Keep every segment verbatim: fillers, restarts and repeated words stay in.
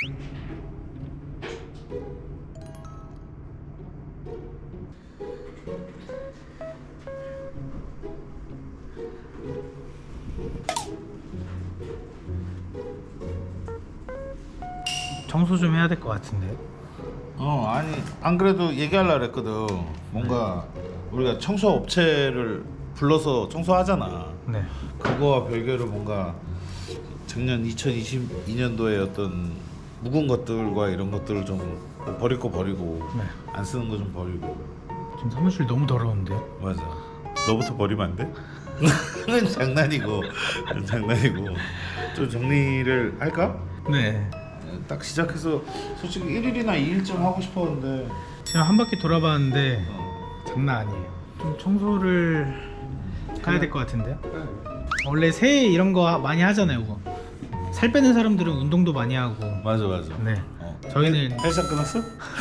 청소 좀 해야 될 것 같은데. 어 아니 안 그래도 얘기하려고 그랬거든. 뭔가 우리가 청소 업체를 불러서 청소하잖아. 네. 그거와 별개로 뭔가 작년 이천이십이 년도에 어떤 묵은 것들과 이런 것들을 좀 버릴 거 버리고 네. 안 쓰는 거 좀 버리고. 지금 사무실 너무 더러운데. 맞아. 너부터 버리면 안 돼? 그건 장난이고 장난이고 좀 정리를 할까? 네. 딱 시작해서 솔직히 일 일이나 이 일 좀 하고 싶었는데 지금 한 바퀴 돌아봤는데 어. 장난 아니에요. 좀 청소를 해야 될 것 같은데요. 그래. 원래 새해 이런 거 많이 하잖아요. 그거. 살 빼는 사람들은 운동도 많이 하고. 맞아 맞아. 네. 어. 저희는 헬스 끊었어?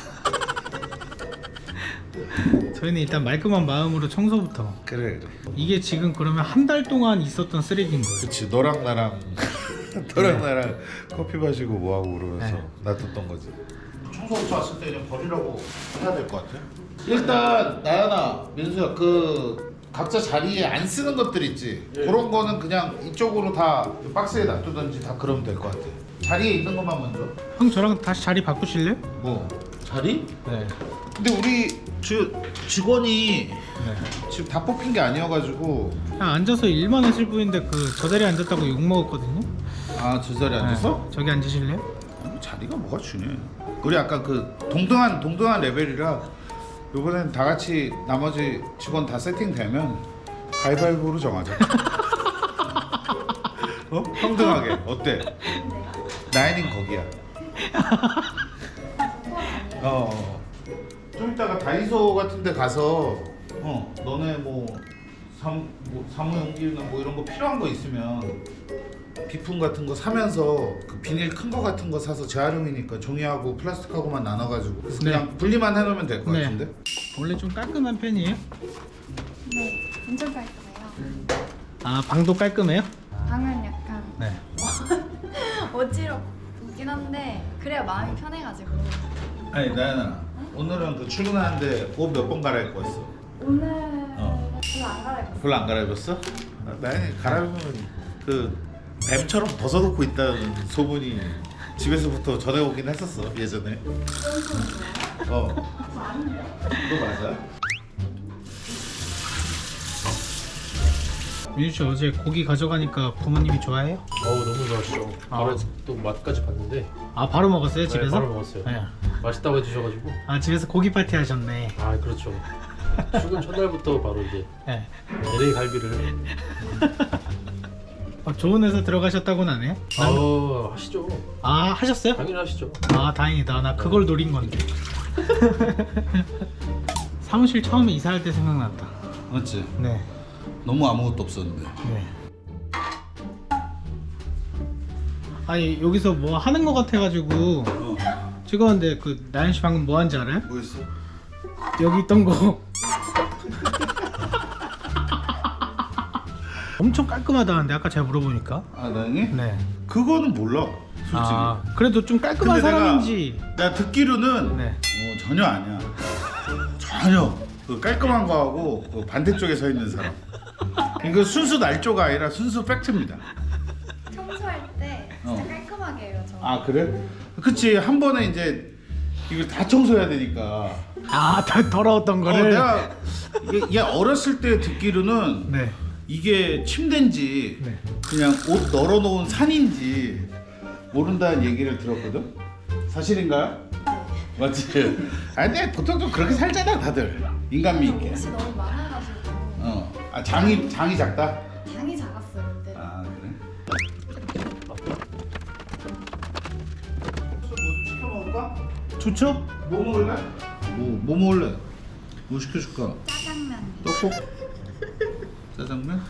저희는 일단 말끔한 마음으로 청소부터. 그래 그래. 이게 지금 그러면 한 달 동안 있었던 쓰레기인 거예요. 그치 너랑 나랑 너랑 나랑 커피 마시고 뭐하고 그러면서 네. 놔뒀던 거지. 청소부터 왔을 때 그냥 버리라고 해야 될 것 같아. 일단 나연아 민수야 그 각자 자리에 안 쓰는 것들 있지. 예. 그런 거는 그냥 이쪽으로 다 박스에 놔두든지 다 그러면 될 것 같아. 자리에 있는 것만 먼저. 형 저랑 다시 자리 바꾸실래요? 뭐 자리? 네. 근데 우리 주, 직원이 네. 지금 다 뽑힌 게 아니어가지고. 그냥 앉아서 일만 하실 분인데 그 저 자리에 앉았다고 욕 먹었거든요. 아 저 자리에 앉았어? 네. 저기 앉으실래요? 아니, 자리가 뭐가 중요해. 우리 아까 그 동등한 동등한 레벨이라 이번엔 다 같이 나머지 직원 다 세팅되면 가위바위보로 정하자. 어? 평등하게 어때? 나인인 거기야. 어, 어. 좀 이따가 다이소 같은 데 가서 어 너네 뭐, 사무, 뭐 사무용기나 뭐 이런 거 필요한 거 있으면 비품 같은 거 사면서 그 비닐 큰 거 같은 거 사서 재활용이니까 종이하고 플라스틱하고만 나눠가지고 그래서 네. 그냥 분리만 해놓으면 될 것 네. 같은데? 원래 좀 깔끔한 편이에요? 네, 엄청 깔끔해요. 아 방도 깔끔해요? 방은 약간 네. 어지럽긴 한데 그래야 마음이 편해가지고. 아니 나연아 오늘은 그 출근하는데 옷 몇 번 갈아입고 왔어? 오늘 어. 별로 안 갈아입었어요. 별로 안 갈아입었어? 아, 나연이 갈아입으면 그 뱀처럼 벗어놓고 있다는 소문이 집에서부터 전해오긴 했었어 예전에. 어. 그거 맞아? 민수 씨 어제 고기 가져가니까 부모님이 좋아해요? 어우 너무 좋아하시죠. 바로 또 맛까지 봤는데 아 바로 먹었어요 집에서? 네, 바로 먹었어요. 네. 맛있다고 해주셔가지고. 아 집에서 고기 파티 하셨네. 아 그렇죠. 출근 첫날부터 바로 이제 네. 엘에이 갈비를. 아, 좋은 회사 들어가셨다고는 안 해요? 아 하시죠. 아 하셨어요? 당연히 하시죠. 아 다행이다. 나 그걸 노린 건데. 사무실 처음에 이사할 때 생각났다. 맞지? 네. 너무 아무것도 없었는데. 네. 아니 여기서 뭐 하는 거 같아가지고 어. 찍었는데 그 나연 씨 방금 뭐 한지 알아요? 뭐였어? 여기 있던 거 엄청 깔끔하다는데 아까 제가 물어보니까. 아 나연이? 네. 그거는 몰라 솔직히. 아 그래도 좀 깔끔한 근데 내가- 사람인지. 내가 듣기로는 네. 어, 전혀 아니야. 전혀 그 깔끔한 거하고 그 반대쪽에 서 있는 사람. 이거 순수 날조가 아니라 순수 팩트입니다. 청소할 때 진짜 어. 깔끔하게 해요 저. 아 그래? 그치 한 번에 이제 이걸 다 청소해야 되니까. 아 더 더러웠던 어, 거를. 내가 이게, 이게 어렸을 때 듣기로는 네. 이게 침대인지 네. 그냥 옷 널어놓은 산인지 모른다는 얘기를 들었거든. 사실인가요? 맞지? 아니 근데 보통 좀 그렇게 살잖아 다들 인간미 있게. 옷이 너무 많아가지고 어. 아 장이 장이 작다? 장이 작았어요 그때. 아 그래? 뭐좀 시켜 먹을까? 좋죠? 뭐 먹을래? 뭐, 뭐 먹을래? 뭐 시켜줄까? 짜장면. 떡국? 짜장면?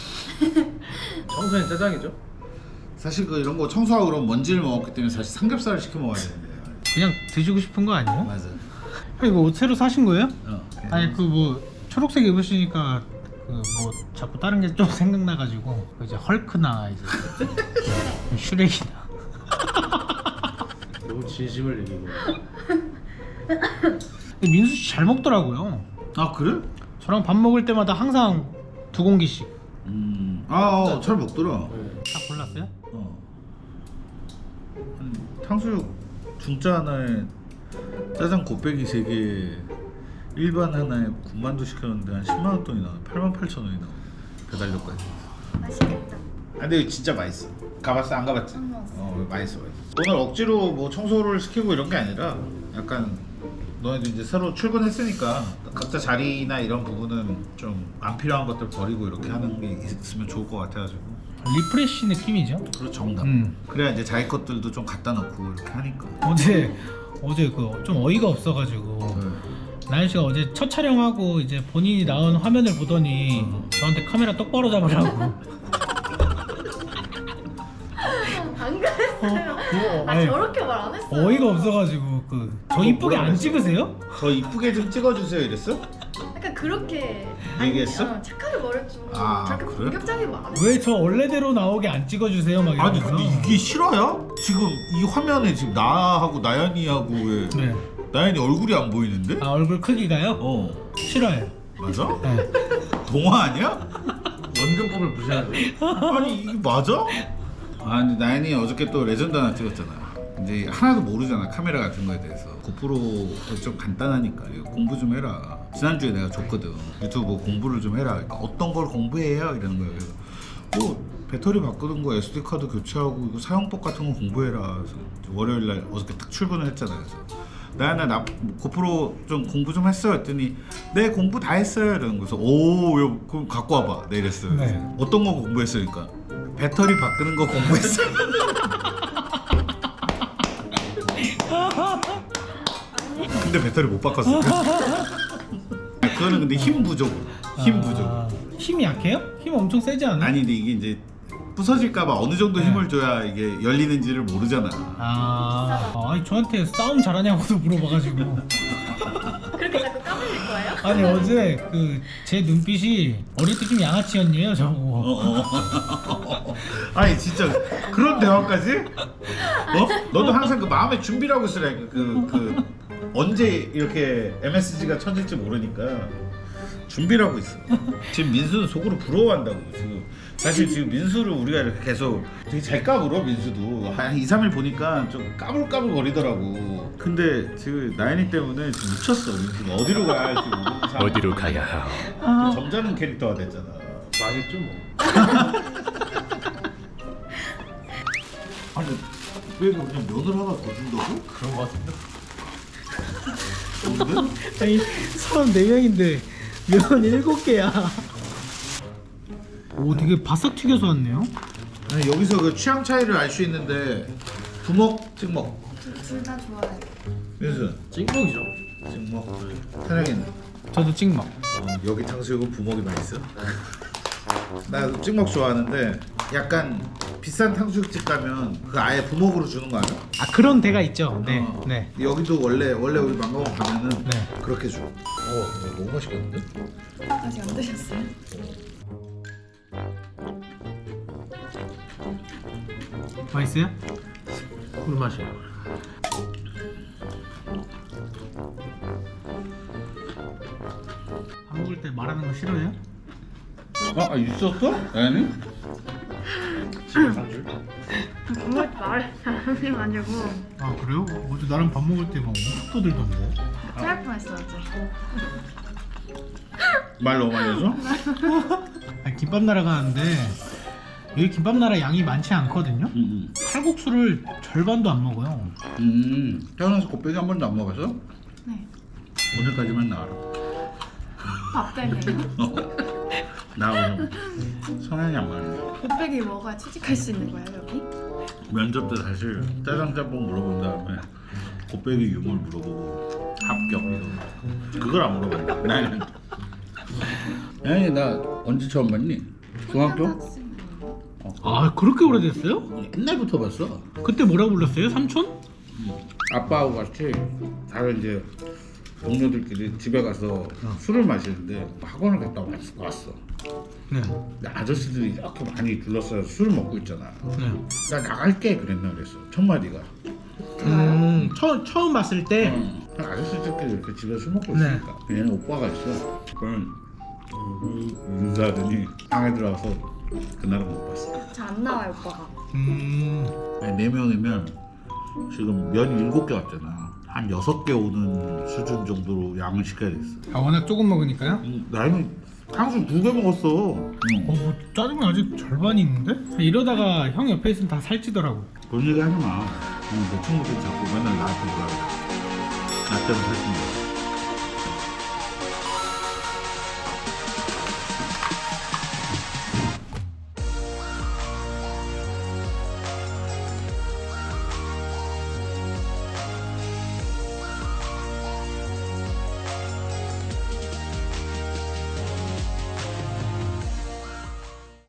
청소는 짜장이죠. 사실 그 이런 거 청소하고 그러면 먼지를 먹었기 때문에 사실 삼겹살을 시켜 먹어야 되는데. 그냥 드시고 싶은 거 아니에요? 맞아. 형 이거 옷 새로 사신 거예요? 어. 아니 그 뭐 초록색 입으시니까 그 뭐 자꾸 다른 게 좀 생각나가지고 그 이제 헐크나 이제 슈렉이나 너무 진심을 얘기해. 근데 민수 씨 잘 먹더라고요. 아 그래? 저랑 밥 먹을 때마다 항상 두 공기씩. 음. 아잘 먹더라. 네. 다 골랐어요? 어. 한 탕수육 중짜 하나에 짜장 곱빼기 세 개, 일반 하나에 군만두 시켰는데 한 십만 원 돈이 나와. 팔만 팔천 원이 나와. 배달료까지. 맛있겠다. 아 근데 진짜 맛있어. 가봤어? 안 가봤지? 안 가봤어. 어 맛있어 맛있어. 오늘 억지로 뭐 청소를 시키고 이런 게 아니라 약간 너네도 이제 새로 출근했으니까 각자 자리나 이런 부분은 좀 안 필요한 것들 버리고 이렇게 하는 게 있으면 좋을 것 같아가지고. 리프레시 느낌이죠. 그리고 정답. 음. 그래야 이제 자기 것들도 좀 갖다 놓고 이렇게 하니까. 어제 어제 그 좀 어이가 없어가지고 네. 나연 씨가 어제 첫 촬영하고 이제 본인이 나온 화면을 보더니 저한테 카메라 똑바로 잡으라고. 안 그랬어요. 어, 아 아니, 저렇게 말 안 했어요. 어이가 없어가지고 그 저 이쁘게 뭐라 안 그랬어? 찍으세요? 저 이쁘게 좀 찍어주세요 이랬어? 약간 그렇게 얘기했어? 어, 착하게 말했죠. 아, 저렇게 그래? 공격적인 말 안 했어요. 왜 저 원래대로 나오게 안 찍어주세요? 막 아니 이러면서. 근데 이게 실화야? 지금 이 화면에 지금 나하고 나연이하고 왜 네. 나연이 얼굴이 안 보이는데? 아 얼굴 크기가요? 어 싫어요. 맞아? 네. 동화 아니야? 원근법을 무시하는. 아니 이게 맞아? 아 근데 나연이 어저께 또 레전드 하나 찍었잖아. 이제 하나도 모르잖아 카메라 같은 거에 대해서. 고프로 좀 간단하니까 이거 공부 좀 해라. 지난주에 내가 줬거든. 유튜브 공부를 좀 해라. 그러니까 어떤 걸 공부해요? 이러는 거야. 그래서 뭐 배터리 바꾸는 거, 에스디 카드 교체하고 이거 사용법 같은 거 공부해라. 그래서 월요일 날 어저께 딱 출근을 했잖아. 그래서 나연아 나 고프로 좀 공부 좀 했어 했더니 네 공부 다 했어요 이러는 거서 오 요, 그럼 갖고 와봐 네 이랬어요. 네. 그래서 어떤 거 공부했으니까 배터리 바꾸는 거 공부했어. 근데 배터리 못 바꿨어. 그거는 근데 힘 부족. 힘 부족. 아, 힘이 약해요? 힘 엄청 세지 않아요? 아니 근데 이게 이제 부서질까봐 어느 정도 네. 힘을 줘야 이게 열리는지를 모르잖아. 아, 아니 저한테 싸움 잘하냐고도 물어봐가지고. 그렇게 자꾸 까불릴 거예요? 아니 어제 그 제 눈빛이 어릴 때 좀 양아치였네요 저거. 어, 어. 아니 진짜 그런 대화까지? 어? 너도 항상 그 마음의 준비를 하고 있으라. 그, 그 언제 이렇게 엠에스지가 쳐질지 모르니까 준비를 하고 있어. 지금 민수는 속으로 부러워한다고 지금. 사실 지금 민수를 우리가 이렇게 계속 되게 잘 까불어. 민수도 한 이, 삼 일 보니까 좀 까불까불 거리더라고. 근데 지금 나연이 때문에 지금 미쳤어. 민수가 어디로 가야 할지 모르는 상황. 어디로 가야 하오? 점잖은 캐릭터가 됐잖아. 망했죠 뭐. 아니 왜 그냥 면을 하나 더 준다고? 그런 거 같은데. 근데? 아니 사람 네 명인데 면 일곱 개야. 오 되게 바싹 튀겨서 왔네요. 아니 여기서 그 취향 차이를 알 수 있는데 부먹, 찍먹. 둘 다 좋아해요. 민수 찍먹이죠. 찍먹. 태양이는 저도 찍먹. 어, 여기 탕수육은 부먹이 맛있어. 나 찍먹 좋아하는데 약간 비싼 탕수육집 가면 그 아예 부먹으로 주는 거 아니야? 아 그런 데가 있죠. 네, 어. 네. 여기도 원래 원래 우리 망가원 가면은 네. 그렇게 줘. 어, 너무 맛있겠는데? 아직 안 드셨어요? 맛있어요? 꿀맛이야. 밥 먹을 때 말하는 거 싫어해요? 아, 아 있었어? 아니? 집에 한 줄. 정말 말 잘하셔가지고 아 그래요? 어제 나랑 밥 먹을 때 막 엄청 떠들던데. 토할 뻔했어요 어제. 말 너무 많이 해서? 아니, 김밥 나라 가는데 여기 김밥 나라 양이 많지 않거든요. 응. 칼국수를 절반도 안 먹어요. 음. 태어나서 곱빼기 한 번도 안 먹었어? 네. 오늘까지만 나와라. 밥 때문에요? 나 오늘 성향이 안 맞네. 곱빼기 먹어야 취직할 수 있는 거예요 여기? 면접 때 사실 짜장 짬뽕 물어본 다음에 곱빼기 유물 물어보고 합격 이거 그걸 안 물어봤네. 나는 아니 나 언제 처음 봤니? 중학교? 아 그렇게 오래됐어요? 옛날부터 봤어. 그때 뭐라 불렀어요? 삼촌? 아빠하고 같이 다른 이제 동료들끼리 집에 가서 술을 마시는데 학원을 갔다 왔- 왔어. 네. 근데 아저씨들이 이렇게 많이 둘러싸여 술을 먹고 있잖아. 네. 나 나갈게 그랬나 그랬어. 첫 마디가. 음. 처음 처음 봤을 때 응. 아저씨들끼리 이렇게 집에 술 먹고 네. 있으니까 얘는 오빠가 있어. 그럼 인사하더니 방에 들어와서 그날은 못 봤어. 잘 안 나와요 오빠가. 음, 아니, 네 명이면 지금 면 일곱 개 왔잖아. 한 여섯 개 오는 수준 정도로 양을 시켜야 됐어. 아 워낙 조금 먹으니까요? 음, 나는 탕수육 두 개 먹었어. 어, 응. 뭐 짜증은 아직 절반이 있는데? 이러다가 형 옆에 있으면 다 살찌더라고. 그런 얘기 하지 마. 응, 내 친구들 자꾸 맨날 나한테 뭐라 그래. 나 때문에 살찐다.